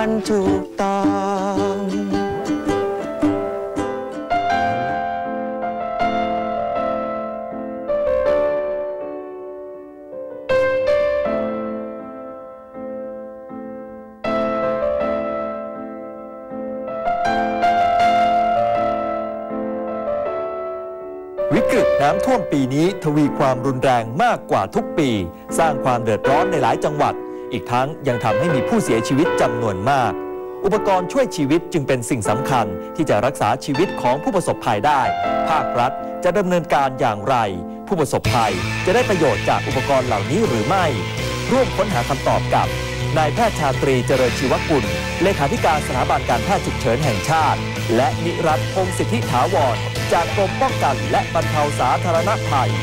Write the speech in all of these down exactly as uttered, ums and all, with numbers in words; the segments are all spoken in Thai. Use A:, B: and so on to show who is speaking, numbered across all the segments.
A: มันถูกต้อง
B: วิกฤตน้ำท่วมปีนี้ทวีความรุนแรงมากกว่าทุกปีสร้างความเดือดร้อนในหลายจังหวัดอีกทั้งยังทำให้มีผู้เสียชีวิตจำนวนมากอุปกรณ์ช่วยชีวิตจึงเป็นสิ่งสำคัญที่จะรักษาชีวิตของผู้ประสบภัยได้ภาครัฐจะดำเนินการอย่างไรผู้ประสบภัยจะได้ประโยชน์จากอุปกรณ์เหล่านี้หรือไม่ร่วมค้นหาคำตอบกับนายแพทย์ชาตรีเจริญชีวกุลเลขาธิการสถาบันการแพทย์ฉุกเฉินแห่งชาติและนิรัตน์พงษ์สิทธิถาวรจากกรมป้องกันและบรรเทาสาธารณภัย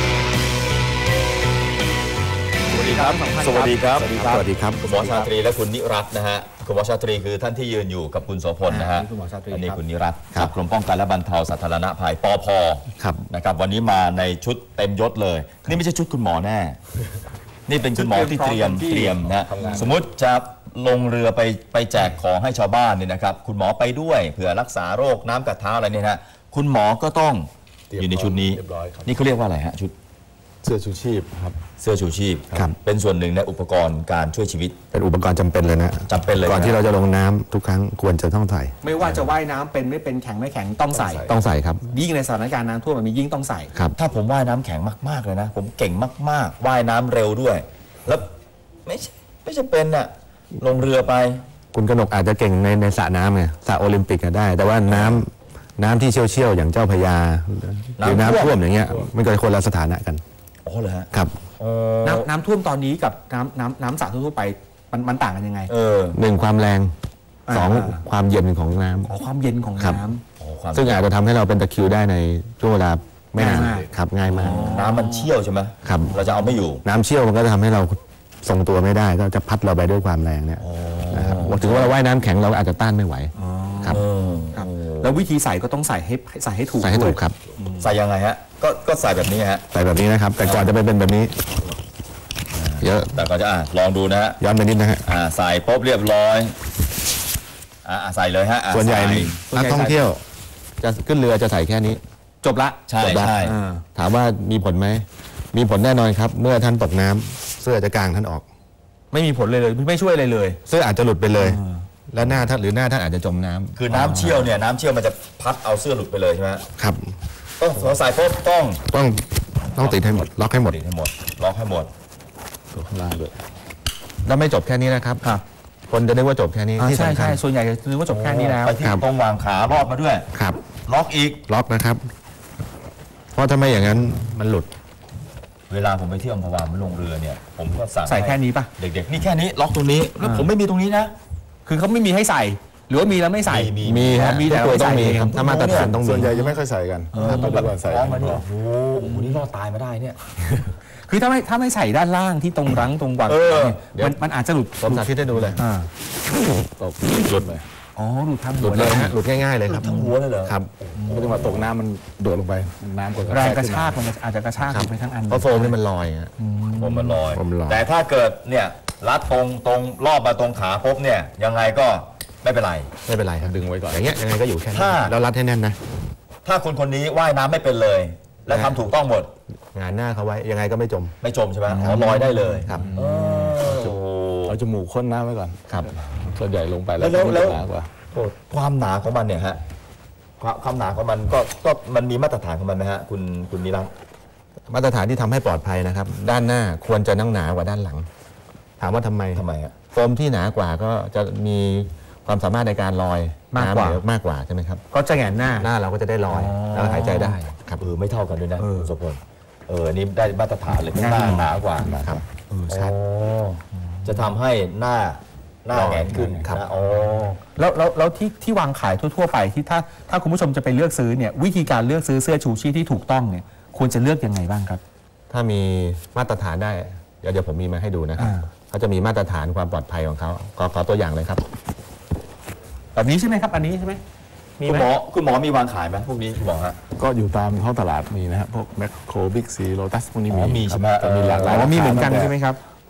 B: สวัสดีครับสวัสดีครับสวัสดีครับคุณหมอชาตรีและคุณนิรัตน์นะฮะคุณหมอชาตรีคือท่านที่ยืนอยู่กับคุณโสพลนะฮะอันนี้คุณนิรัตน์จากกรมป้องกันและบรรเทาสาธารณภัยปภนะครับวันนี้มาในชุดเต็มยศเลยนี่ไม่ใช่ชุดคุณหมอแน่นี่เป็นคุณหมอที่เตรียมเตรียมนะสมมติจะลงเรือไปไปแจกของให้ชาวบ้านเนี่ยนะครับคุณหมอไปด้วยเผื่อรักษาโรคน้ำกัดเท้าอะไรเนี่ยนะคุณหมอก็ต้องอยู่ในชุดนี้นี่เขาเรียกว่าอะไรฮะชุด
C: เสื้อชูชีพครับ
B: เสื้อชูชีพเป็นส่วนหนึ่งในอุปกรณ์การช่วยชีวิต
C: เป็นอุปกรณ์จำเป็นเลยนะ
B: จำเป็นเลย
C: ก่อนที่เราจะลงน้ำทุกครั้งควรจะต้องใส่
D: ไม่ว่าจะว่ายน้ำเป็นไม่เป็นแข็งไม่แข็งต้องใส่
C: ต้องใส่ครับ
D: ยิ่งในสถานการณ์น้ำท่วมมันมียิ่งต้องใส่
B: ครับถ้าผมว่ายน้ำแข็งมากๆเลยนะผมเก่งมากๆว่ายน้ำเร็วด้วยแล้วไม่ไม่จะเป็นอะลงเรือไป
C: คุณกนกอาจจะเก่งในในสระน้ำไงสระโอลิมปิกก็ได้แต่ว่าน้ำน้ำที่เชี่ยวๆอย่างเจ้าพญาหรือน้ำท่วมอย่างเงี้ยมันก็คนละสถานะกัน
B: อ๋อเหรอฮะ
C: ครับ
D: น้ำน้ำท่วมตอนนี้กับน้ำน้ำน้ำสระทั่วไปมันมันต่างกันยังไง
B: เออ
C: หนึ่งความแรงสองความเย็นของน้ำ
D: อ๋อความเย็นของน้ำ
C: ซึ่งอาจจะทำให้เราเป็นตะคริวได้ในช่วงเวลาไม่นานครับง่ายมาก
B: น้ำมันเชี่ยวใช่ไหม
C: ครับ
B: เราจะเอาไม่อยู่
C: น้ำเชี่ยวมันก็จะทำให้เราทรงตัวไม่ได้ก็จะพัดเราไปด้วยความแรงเนี่ยนะครับถึงว่าเราว่ายน้ำแข็งเราอาจจะต้านไม่ไหวครับ
D: แล้ววิธีใส่ก็ต้องใส่ให้ใส่ให้ถูก
C: ใส่ให้ถูกครับ
B: ใส่ยังไงฮะก็ก็ใส่แบบนี้ฮะ
C: ใส่แบบนี้นะครับแต่ก่อนจะไปเป็นแบบนี้เยอะ
B: แต่ก่อนจะอ่ะลองดูนะฮะ
C: ย้อนไปนิดนะฮะ
B: อ่าใส่ปุ๊บเรียบร้อยอ่าใส่เลยฮะ
C: ส่วนใหญ่นักท่องเที่ยวจะขึ้นเรือจะใส่แค่นี้
D: จบละ
B: ใช่ใช่
C: ถามว่ามีผลไหมมีผลแน่นอนครับเมื่อท่านตกน้ำเสื้อจะกางท่านออก
D: ไม่มีผลเลยเลยไม่ช่วยอะไรเลย
C: เสื้ออาจจะหลุดไปเลยแล้วหน้าท่านหรือหน้าท่านอาจจะจมน้ำ
B: คือน้ำเชี่ยวเนี่ยน้ำเชี่ยวมันจะพัดเอาเสื้อหลุดไปเลยใช่ไหม
C: ครับ
B: ต้องใส่ปุ๊บต้อง
C: ต้องต้องติดให้หมดล็อกให้หมด
B: ติดให้หมดล็อกให้หมด
C: ตัวข้างล่างด้วยแล้วไม่จบแค่นี้นะครับคนจะนึกว่าจบแค่นี้
D: ใช่ใช่ส่วนใหญ่จะนึกว่าจบแค่นี้แล้ว
B: ไปที่ตรงวางขารอบมาด้วย
C: ครับ
B: ล็อกอีก
C: ล็อกนะครับเพราะถ้าไม่อย่างนั้นมันหลุด
B: เวลาผมไปเที่ยวอัมพวาผมลงเรือเนี่ยผมก็สั่ง
D: ใส่แค่นี้ป่ะ
B: เด็กๆนี่แค่นี้ล็อกตรงนี้แล้วผมไม่มีตรงนี้นะ
D: คือเขาไม่มีให้ใส่หรือว่ามีแล้วไม่ใส่
C: มีมี
D: มีแต่ไม่
C: ใส่
D: เอง
C: ถ้ามาตรฐานต้องมี
E: ส่วนใหญ่จะไม่ค่อยใส่กัน
B: ต้องแบบใส่มาเนี่ยโอ้โหนี่รอดตายมาได้เนี่ย
D: คือถ้าไม่ถ้าไม่ใส่ด้านล่างที่ตรงรั้งตรงวางมันมันอาจจะหลุด
C: ผมสาธิตให้ดูเลยตกหลุดเลย
D: อ๋อหลุดทั้ง
C: หลุดเลยฮะหลุดง่ายๆเลยครับ
B: ทั้งหัวเลยเหรอ
C: ครับ
E: ไม่ต้องมาตกน้ำมันโดดลงไปน้ำกด
D: แรงกระชากมันอาจจะกระชากไปทั้งอัน
C: เพราะโฟมนี่มันลอย
B: โฟมมันลอยแต่ถ้าเกิดเนี่ยรัดตรงตรงรอบมาตรงขาปุ๊บเนี่ยยังไงก็ไม่เป็นไร
C: ไม่เป็นไรครับดึงไว้ก่อนอย่างเงี้ยยังไงก็อยู่แค่นี้แล้วรัดให้แน่นนะ
B: ถ้าคนคนนี้ว่ายน้ำไม่เป็นเลยและทำถูกต้องหมด
C: งานหน้าเขาไว้ยังไงก็ไม่จม
B: ไม่จมใช่ไหมอ๋อลอยได้เลย
C: ครับ
E: เอาจมูกค้นน้ำไว้ก่อน
C: ครับ
E: ส่วนใหญ่ลงไปแล้ว
B: แล้วความหนาของมันเนี่ยฮะความหนาของมันก็ก็มันมีมาตรฐานของมันไหมฮะคุณคุณนิรัตน์
C: มาตรฐานที่ทำให้ปลอดภัยนะครับด้านหน้าควรจะนั่งหนากว่าด้านหลังถามว่าทำไม
B: ทำไมอ่ะ
C: โฟมที่หนากว่าก็จะมีความสามารถในการลอย
D: มากกว่าม
C: ากกว่าใช่ไหมครับ
D: ก็จะแหงนหน้า
C: หน้าเราก็จะได้ลอยแล้วหายใจได้
B: ครับเออไม่เท่ากันด้วยนะคุณสมพลเออนี่ได้มาตรฐานเลยหน้าหนากว่า
C: ครับชัด
B: จะทำให้หน้าหน้าแหงขึ้น
C: ครับ
B: อ๋อ
D: แล้วแล้วแล้วที่ที่วางขายทั่วๆไปที่ถ้าถ้าคุณผู้ชมจะไปเลือกซื้อเนี่ยวิธีการเลือกซื้อเสื้อชูชีพที่ถูกต้องเนี่ยควรจะเลือกยังไงบ้างครับ
C: ถ้ามีมาตรฐานได้เดี๋ยวเดี๋ยวผมมีมาให้ดูนะครับเขาจะมีมาตรฐานความปลอดภัยของเขาขอขอตัวอย่างเลยครับ
D: แบบนี้ใช่ไหมครับอันนี้ใช่ไหม
B: คุณหมอคุณหมอมีวางขายไหมพวกนี้คุณหมอฮะ
E: ก็อยู่ตามท้องตลาดมีนะฮะพวกแมคโครบิ๊กซีโลตัสพวกนี้มี
B: มีใช่ไหม
E: มีหลากหลาย
D: มีเหมือนกันใช่ไหมครับ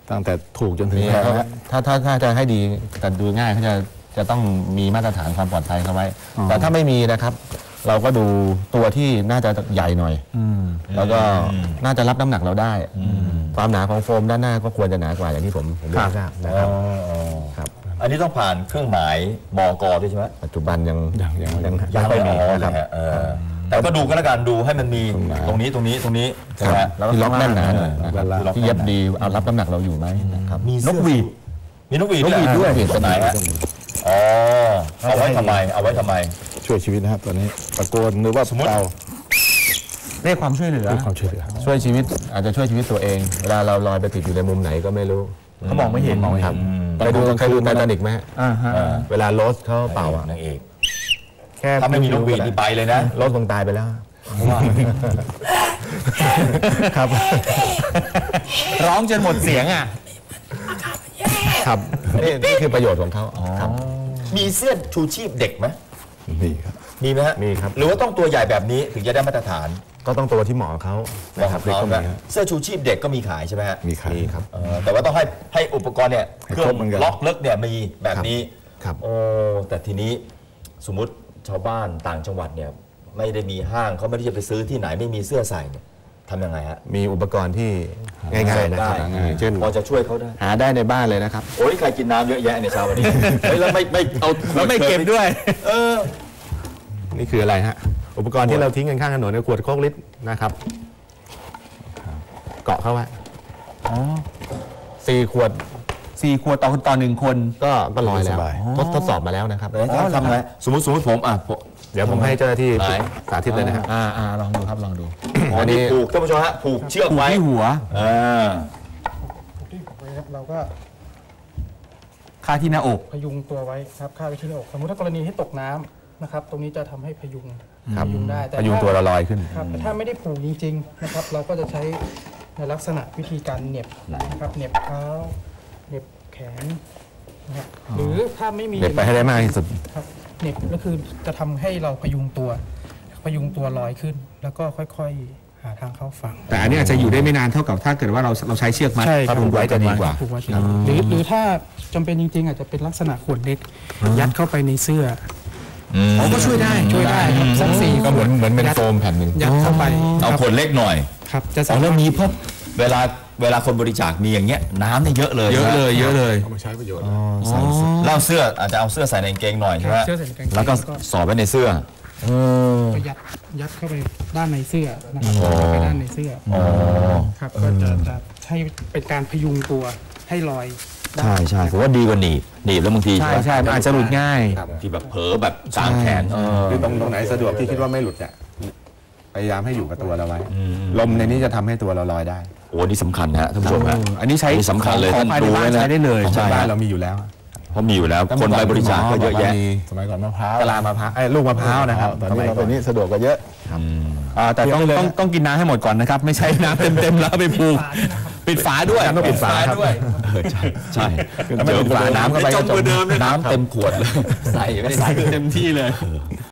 E: ตั้งแต่ถูกจนถึง
C: นี่
E: แพง
C: เขา
E: นะ
C: ถ้าถ้าถ้าจะให้ดีแต่ดูง่ายเขาจะจะต้องมีมาตรฐานความปลอดภัยเข้าไว้ แต่ถ้าไม่มีนะครับ เราก็ดูตัวที่น่าจะใหญ่หน่อยแล้วก็น่าจะรับน้ำหนักเราได้ความหนาของโฟมด้านหน้าก็ควรจะหนากว่าอย่างที่ผมผมได้ทราบนะครับ ครับ
B: อันนี้ต้องผ่านเครื่องหมายมกด้วยใช่ไหม
C: ปัจจุบันยัง
E: ยังยัง
C: ยัง
B: ยัง
C: ไม่
B: ไม่
C: มี
B: มี
C: นะครับ
B: นะฮะเออแต่ก็ดูก็แล้วกันดูให้มันมี
E: ตรงไหน
B: ตรงนี้ตรงนี้ตรงนี้ใช่ไหม
C: แล้วที่ล็อกแน่นหนาหน่อย
B: เออ
C: นะครับที่เย็บดีเอารับน้ำหนักเราอยู่ไหมนะครับ
B: มี
D: น
B: เสื้
D: ก
B: อ
D: หวีด
B: มีนกหวีด
C: นกหวีดด้วย
B: ตัวไหนฮะอ๋อเอาไว้ทำไมเอาไว้ทำไม
E: ช่วยชีวิตนะครับตอนนี้ตะโกนหรือว่า
B: สมมุติ
E: เป่า
D: เรียกความช่วยเหลือ
E: ให้ความช่วยเหลือ
C: ช่วยชีวิตอาจจะช่วยชีวิตตัวเอง เวลาเราลอยไปติดอยู่ในมุมไหนก็ไม่รู้
D: เขามองไม่เห็น
C: มองไม่เห็นเคยดูเคยดูไททานิกไหมฮะ
D: อ่าฮะ
C: เวลาโรสเขาเป่าอะ
B: นางเอก
C: แค่
B: ถ้าไม่มีนกหวีดนี่ไปเลยนะ
C: โรสคงตายไปแล้วครับ
D: ร้องจนหมดเสียงอ่ะ
C: ครับนี่นี่คือประโยชน์ของเขาครับ
B: มีเสื้อชูชีพเด็กไหม
E: นี่ครับ
B: มีไหมฮะ
C: มีครับ
B: หรือว่าต้องตัวใหญ่แบบนี้ถึงจะได้มาตรฐาน
C: ก็ต้องตัวที่เหมาะกับเขานะครับเด็กก็มีฮะ
B: เสื้อชูชีพเด็กก็มีขายใช่ไหมฮะ
E: มีขาย
C: มีครับ
B: เออแต่ว่าต้องให้ให้อุปกรณ์เนี่ย
E: ให้
B: เครื่อ
E: ครบ
B: ง
E: เหมือนกัน
B: ล็อกเลิกเนี่ยมีแบบนี้
C: ครับ
B: โอ้แต่ทีนี้สมมุติชาวบ้านต่างจังหวัดเนี่ยไม่ได้มีห้างเขาไม่ได้จะไปซื้อที่ไหนไม่มีเสื้อใส่เนี่ยทำยังไงฮะ
C: มีอุปกรณ์ที่ง่ายๆนะครับ
B: ได้
C: อย่างเช่น
B: พอจะช่วยเขาได้
C: หาได้ในบ้านเลยนะครับ
B: โอ้ยใครกินน้ำเยอะแยะในเช้าวันนี้ เฮ้ยแล้วไม่ไม่เอา
D: แล้วไม่เก็บด้วย
B: เออ
C: นี่คืออะไรฮะอุปกรณ์ที่เราทิ้งกันข้างถนนในขวดโคกลิตรนะครับเกาะเข้าไว้สี่ขวด
D: สี่ขวดต่อต่อหนึ่งคน
C: ก็ก็ลอยแล้ว
E: สบาย
C: ทดทดสอบมาแล้วนะครับ
B: แล้วจะทำไงสมมติสมมติผมอ่ะผม
C: เดี๋ยวผมให้เจ้าหน้าที่
B: ไหน
C: สาธิตเลยนะฮะ
D: อ่าอ่าลองดูครับลองดู
B: อันนี้ผูกท่านผู้ชมฮะผูกเชือก
D: ผูก
B: ไว้
D: ที่หัว
B: อ่า
F: ที่ไว้ครับเราก็
D: คาที่หน้าอก
F: พยุงตัวไว้ครับคาดไว้ที่หน้าอกสมมติถ้ากรณีที่ตกน้ำนะครับ ตรงนี้จะทำให้พยุง
C: ครับ
F: พยุงได้แต่
C: พยุง
F: ถ้า
C: ตัวเราลอยขึ้น
F: ครับแต่ถ้าไม่ได้ผูกจริงๆนะครับ เราก็จะใช้ในลักษณะวิธีการเหน็บนะครับเหน็บเท้าเหน็บแขนนะครับหรือถ้าไม่มี
C: เด็ดไปให้ได้มากที่สุด
F: ครับเหน็บก็คือจะทำให้เราพยุงตัว พยุงตัวลอยขึ้น แล้วก็ค่อยๆหาทางเข้าฝั่ง
D: แต่อันนี้อาจจะอยู่ได้ไม่นานเท่ากับถ้าเกิดว่าเราเราใช้เชือกมัด
F: ใช่ครับ
D: ผูกไว้จะดีกว่า
F: ผูกไว้ที่หรือหรือถ้าจำเป็นจริงๆ อาจจะเป็นลักษณะขวดเล็ก ยัดเข้าไปในเสื้อ
D: อ๋อก็ช่วยได้
F: ช่วยได้ครับสักสี่
C: ก็เหมือนเหมือนเป็นโฟมแผ่นหนึ่ง
F: ยัดเข้าไป
B: เอา
F: ครับ
B: ขวดเล็กหน่อย
F: ครับจะ
B: อ๋
F: สา
B: อ
F: มารถ
B: แล้วมีเพิ่มเวลาเวลาคนบริจาคมีอย่างเงี้ยน้ำเนี่ยเยอะเลย
D: เยอะเลยเยอะเลย
E: เอามาใช้ประโยชน์
B: เล่าเสื้ออาจจะเอาเสื้อใส่ในกางเกงหน่อยใช่ไหม
F: เสื้อใส่กางเกง
B: แล้วก็สอดไว้ในเสื้อ
F: ก็ยัดยัดเข้าไปด้านในเสื้อนะครับยัดเข้าไปด้านในเสื้ออครับก็จะจะให้เป็นการพยุงตัวให้ลอยได้
B: ใช่ใช่ผมว่าดีกว่าหนีบหนีบแล้วบางที
D: ใช่ใช่มันอาจจะหลุดง่าย
B: บางทีแบบเผลอแบบกลางแขนเออ
C: คือตรงตรงไหนสะดวกที่คิดว่าไม่หลุดเนี่ยพยายามให้อยู่กับตัวเราไว้ ลมในนี้จะทำให้ตัวเราลอยได้
B: โอ้นี่สำคัญนะฮะท่านผู้ชมฮะ
D: อันนี้ใช้
B: สำคัญเลย
D: ของ
B: ท่าน
D: ภายใน
B: ดู
D: บ้า
B: ไว้
D: น
B: นะ
D: ใช้ได้เลย
B: ใช่
C: บ้าน
B: ฮะ
C: เรามีอยู่แล้ว
B: เพราะมีอยู่แล้วคนไปบริจาคก็เยอะแยะ
C: มี
E: สมัยก่อนมะพร้าว
C: กะลามะพร้าวไอ้ยลูกมะพร้าวนะครับ
E: ตอนนี้เราตอนนี้สะดวกกว่าเยอะ
D: อ่าแต่ต้องต้องต้องกินน้ำให้หมดก่อนนะครับ ไม่ใช่น้ำเต็มๆแล้วเอาไปผูกปิดฝาด้วย
C: ต้องปิดฝาครับ
D: ด้วย
B: เออใช่ใช่
C: ถ้าไม่ปิดฝาน้ำเข้าไปก็จม
B: น้ำเต็มขวดเลยใส่ไม่ได้
D: ใส่
B: ใส่
D: เต็มที่เลย